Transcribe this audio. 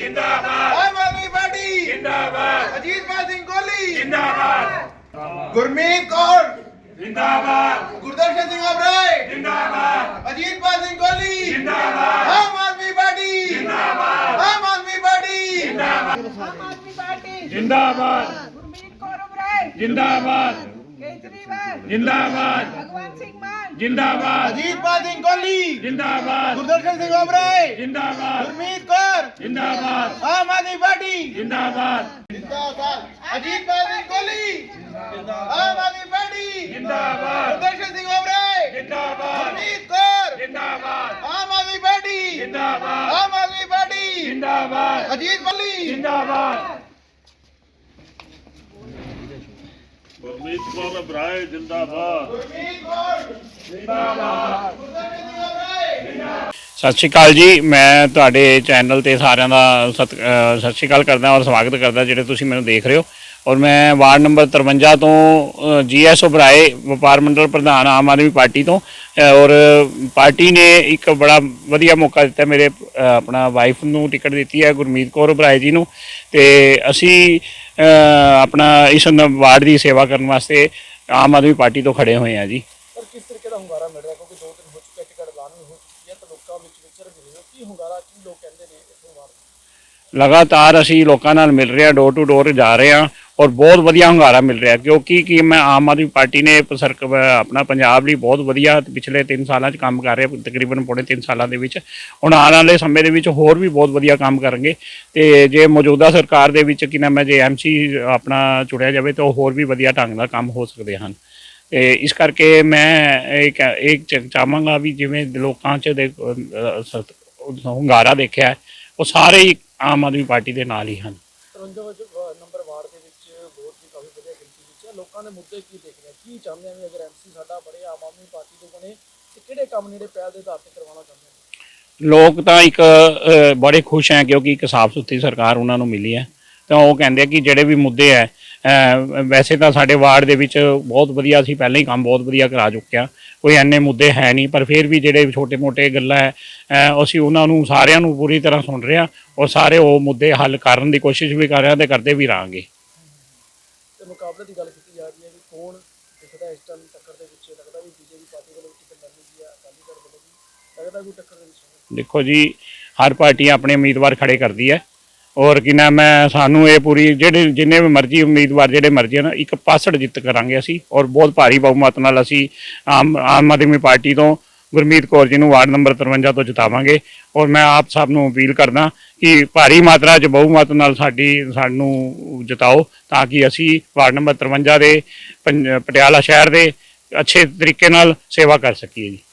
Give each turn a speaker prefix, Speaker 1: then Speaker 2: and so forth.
Speaker 1: जिंदाबाद आम आदमी पार्टी जिंदाबाद अजीतपाल सिंह कोहली जिंदाबाद गुरमीत कौर जिंदाबाद गुरदर्शन सिंह ओबराय जिंदाबाद अजीतपाल सिंह कोहली जिंदाबाद आम आदमी पार्टी जिंदाबाद आम आदमी पार्टी जिंदाबाद
Speaker 2: आम आदमी पार्टी
Speaker 1: जिंदाबाद
Speaker 2: गुरमीत कौर ओबराय
Speaker 1: जिंदाबाद
Speaker 2: केजरीवाल
Speaker 1: जिंदाबाद
Speaker 2: भगवंत सिंह मान
Speaker 1: जिंदाबाद
Speaker 3: अजीतपाल सिंह कोहली
Speaker 1: जिंदाबाद
Speaker 3: गुरदर्शन सिंह ओबराय
Speaker 1: जिंदाबाद
Speaker 3: गुरमीत कौर
Speaker 1: जिंदाबाद
Speaker 3: आम आदमी पार्टी
Speaker 1: जिंदाबाद
Speaker 3: जिंदाबाद अजीतपाल सिंह कोहली आम आदमी पार्टी
Speaker 1: जिंदाबाद
Speaker 3: गुरदर्शन सिंह ओबराय
Speaker 1: जिंदाबाद
Speaker 3: गुरमीत कौर
Speaker 1: जिंदाबाद
Speaker 3: आम आदमी पार्टी
Speaker 1: जिंदाबाद
Speaker 3: आम आदमी पार्टी
Speaker 1: जिंदाबाद
Speaker 3: अजीत कोहली
Speaker 1: जिंदाबाद
Speaker 4: गुरमीत कौर ओबराय जिंदाबाद
Speaker 3: गुरमीत कौर
Speaker 1: जिंदाबाद
Speaker 3: गुरदर्शन सिंह ओबराय
Speaker 5: ਸਤਿ ਸ਼੍ਰੀ ਅਕਾਲ ਜੀ। ਮੈਂ ਤੁਹਾਡੇ ਚੈਨਲ ਤੇ ਸਾਰਿਆਂ ਦਾ ਸਤਿ ਸ਼੍ਰੀ ਅਕਾਲ ਕਰਦਾ ਔਰ ਸਵਾਗਤ ਕਰਦਾ ਜਿਹੜੇ ਤੁਸੀਂ ਮੈਨੂੰ ਦੇਖ ਰਹੇ ਹੋ। ਔਰ ਮੈਂ ਵਾਰਡ ਨੰਬਰ 53 ਤੋਂ ਜੀਐਸ ਓਬਰਾਏ ਵਪਾਰ ਮੰਡਲ ਪ੍ਰਧਾਨ ਆਮ ਆਦਮੀ ਪਾਰਟੀ ਤੋਂ ਔਰ ਪਾਰਟੀ ਨੇ ਇੱਕ ਬੜਾ ਵਧੀਆ ਮੌਕਾ ਦਿੱਤਾ ਮੇਰੇ ਆਪਣਾ ਵਾਈਫ ਨੂੰ ਟਿਕਟ ਦਿੱਤੀ ਹੈ ਗੁਰਮੀਤ ਕੌਰ ਓਬਰਾਏ ਜੀ ਨੂੰ ਤੇ ਅਸੀਂ ਆਪਣਾ ਇਸ ਵਾਰਡ ਦੀ ਸੇਵਾ ਕਰਨ ਵਾਸਤੇ ਆਮ ਆਦਮੀ ਪਾਰਟੀ ਤੋਂ ਖੜੇ ਹੋਏ ਹਾਂ ਜੀ।
Speaker 3: ਪਰ ਕਿਸ ਤਰੀਕੇ ਦਾ ਹੁੰਗਾਰਾ ਮਿਲ ਰਿਹਾ ਕਿਉਂਕਿ 2 ਦਿਨ ਹੋ ਚੁੱਕੇ ਟਿਕਟ ਐਲਾਨ ਹੋ ਚੁੱਕੀ ਹੈ ਤਾਂ ਲੋਕਾਂ ਵਿੱਚ ਵਿਚਰ ਰਹੇ ਹੋ ਕੀ ਹੁੰਗਾਰਾ ਕੀ ਲੋਕ ਕਹਿੰਦੇ ਨੇ ਇਸ ਵਾਰ
Speaker 5: ਲਗਾਤਾਰ ਅਸੀਂ ਲੋਕਾਂ ਨਾਲ ਮਿਲ ਰਹੇ ਹਾਂ, ਡੋਰ ਟੂ ਡੋਰ ਜਾ ਰਹੇ ਹਾਂ ਔਰ ਬਹੁਤ ਵਧੀਆ ਹੁੰਗਾਰਾ ਮਿਲ ਰਿਹਾ ਕਿਉਂਕਿ ਕਿ ਮੈਂ ਆਮ ਆਦਮੀ ਪਾਰਟੀ ਨੇ ਆਪਣਾ ਪੰਜਾਬ ਲਈ ਬਹੁਤ ਵਧੀਆ ਪਿਛਲੇ 3 ਸਾਲਾਂ 'ਚ ਕੰਮ ਕਰ ਰਿਹਾ, ਤਕਰੀਬਨ ਪੌਣੇ 3 ਸਾਲਾਂ ਦੇ ਵਿੱਚ। ਹੁਣ ਆਉਣ ਵਾਲੇ ਸਮੇਂ ਦੇ ਵਿੱਚ ਹੋਰ ਵੀ ਬਹੁਤ ਵਧੀਆ ਕੰਮ ਕਰਨਗੇ ਤੇ ਜੇ ਮੌਜੂਦਾ ਸਰਕਾਰ ਦੇ ਵਿੱਚ ਕਿ ਨਾ ਮੈਂ ਜੇ ਐਮਸੀ ਆਪਣਾ ਚੁਣਿਆ ਜਾਵੇ ਤਾਂ ਹੋਰ ਵੀ ਵਧੀਆ ਢੰਗ ਨਾਲ ਕੰਮ ਹੋ ਸਕਦੇ ਹਨ। ਤੇ ਇਸ ਕਰਕੇ ਮੈਂ ਇਹ ਚਾਹਾਂਗਾ ਵੀ ਜਿਵੇਂ ਲੋਕਾਂ 'ਚ ਹੁੰਗਾਰਾ ਦੇਖਿਆ ਉਹ ਸਾਰੇ ਹੀ ਆਮ ਆਦਮੀ ਪਾਰਟੀ ਦੇ ਨਾਲ ਹੀ ਹਨ।
Speaker 3: 53 ਨੰਬਰ ਵਾਰਡ ਦੇ ਵਿੱਚ ਵੋਟ ਵੀ ਕਾਫੀ ਵਧੀਆ ਗਿਣਤੀ ਵਿੱਚ ਹੈ। ਲੋਕਾਂ ਦੇ ਮੁੱਦੇ ਕੀ ਦੇਖ ਰਹੇ ਕੀ ਚਾਹੁੰਦੇ ਆ ਵੀ ਅਗਰ ਐਮਸੀ ਸਾਡਾ ਬਣੇ ਆਮ ਆਦਮੀ ਪਾਰਟੀ ਤੋਂ ਬਣੇ ਤੇ ਕਿਹੜੇ ਕੰਮ ਜਿਹੜੇ ਪਹਿਲ ਦੇ ਆਧਾਰ ਤੇ ਕਰਵਾਉਣਾ ਚਾਹੁੰਦੇ ਨੇ?
Speaker 5: ਲੋਕ ਤਾਂ ਇੱਕ ਬੜੇ ਖੁਸ਼ ਹੈ ਕਿਉਂਕਿ ਇੱਕ ਸਾਫ਼ ਸੁਥਰੀ ਸਰਕਾਰ ਉਹਨਾਂ ਨੂੰ ਮਿਲੀ ਹੈ ਤਾਂ ਉਹ ਕਹਿੰਦੇ ਕਿ ਜਿਹੜੇ ਵੀ ਮੁੱਦੇ ਹੈ ਵੈਸੇ ਤਾਂ ਸਾਡੇ ਵਾਰਡ ਦੇ ਵਿੱਚ ਬਹੁਤ ਵਧੀਆ ਅਸੀਂ ਪਹਿਲਾਂ ਹੀ ਕੰਮ ਬਹੁਤ ਵਧੀਆ ਕਰਾ ਚੁੱਕੇ ਹਾਂ, ਕੋਈ ਐਨੇ ਮੁੱਦੇ ਹੈ ਨਹੀਂ, ਪਰ ਫਿਰ ਵੀ ਜਿਹੜੇ ਛੋਟੇ-ਮੋਟੇ ਗੱਲਾਂ ਹੈ ਅਸੀਂ ਉਹਨਾਂ ਨੂੰ ਸਾਰਿਆਂ ਨੂੰ ਪੂਰੀ ਤਰ੍ਹਾਂ ਸੁਣ ਰਹੇ ਹਾਂ ਔਰ ਸਾਰੇ ਉਹ ਮੁੱਦੇ ਹੱਲ ਕਰਨ ਦੀ ਕੋਸ਼ਿਸ਼ ਵੀ ਕਰ ਰਹੇ ਹਾਂ ਤੇ ਕਰਦੇ ਵੀ ਰਹਾਂਗੇ।
Speaker 3: ਤੇ ਮੁਕਾਬਲੇ ਦੀ ਗੱਲ ਕੀਤੀ ਜਾ ਰਹੀ ਹੈ ਕਿ ਕੌਣ ਦਿਖਦਾ ਇਸ ਟਾਈਮ ਟੱਕਰ ਦੇ ਵਿੱਚ? ਲੱਗਦਾ ਵੀ ਬੀਜੇਪੀ ਪਾਰਟੀ ਵੱਲੋਂ ਟਿਕਟ ਮਿਲੇਗੀ ਜਾਂ ਅਕਾਲੀ ਦਲ ਵੱਲੋਂ ਵੀ ਲੱਗਦਾ ਕੋਈ ਟੱਕਰ ਦੇ ਵਿੱਚ?
Speaker 5: ਦੇਖੋ ਜੀ, ਹਰ ਪਾਰਟੀ ਆਪਣੇ ਉਮੀਦਵਾਰ ਖੜੇ ਕਰਦੀ ਹੈ ਔਰ ਕਿ ਨਾ ਮੈਂ ਸਾਨੂੰ ਇਹ ਪੂਰੀ ਜਿੰਨੇ ਵੀ ਮਰਜ਼ੀ ਉਮੀਦਵਾਰ ਜਿਹੜੇ ਮਰਜ਼ੀ ਹਨ ਇੱਕ ਪਾਸੜ ਜਿੱਤ ਕਰਾਂਗੇ ਅਸੀਂ ਔਰ ਬਹੁਤ ਭਾਰੀ ਬਹੁਮਤ ਨਾਲ ਅਸੀਂ ਆਮ ਆਦਮੀ ਪਾਰਟੀ ਤੋਂ ਗੁਰਮੀਤ ਕੌਰ ਜੀ ਨੂੰ ਵਾਰਡ ਨੰਬਰ 53 ਤੋਂ ਜਿਤਾਵਾਂਗੇ। ਔਰ ਮੈਂ ਆਪ ਸਭ ਨੂੰ ਅਪੀਲ ਕਰਦਾ ਕਿ ਭਾਰੀ ਮਾਤਰਾ 'ਚ ਬਹੁਮਤ ਨਾਲ ਸਾਨੂੰ ਜਿਤਾਓ ਤਾਂ ਕਿ ਅਸੀਂ ਵਾਰਡ ਨੰਬਰ 53 ਦੇ ਪਟਿਆਲਾ ਸ਼ਹਿਰ ਦੇ ਅੱਛੇ ਤਰੀਕੇ ਨਾਲ ਸੇਵਾ ਕਰ ਸਕੀਏ ਜੀ।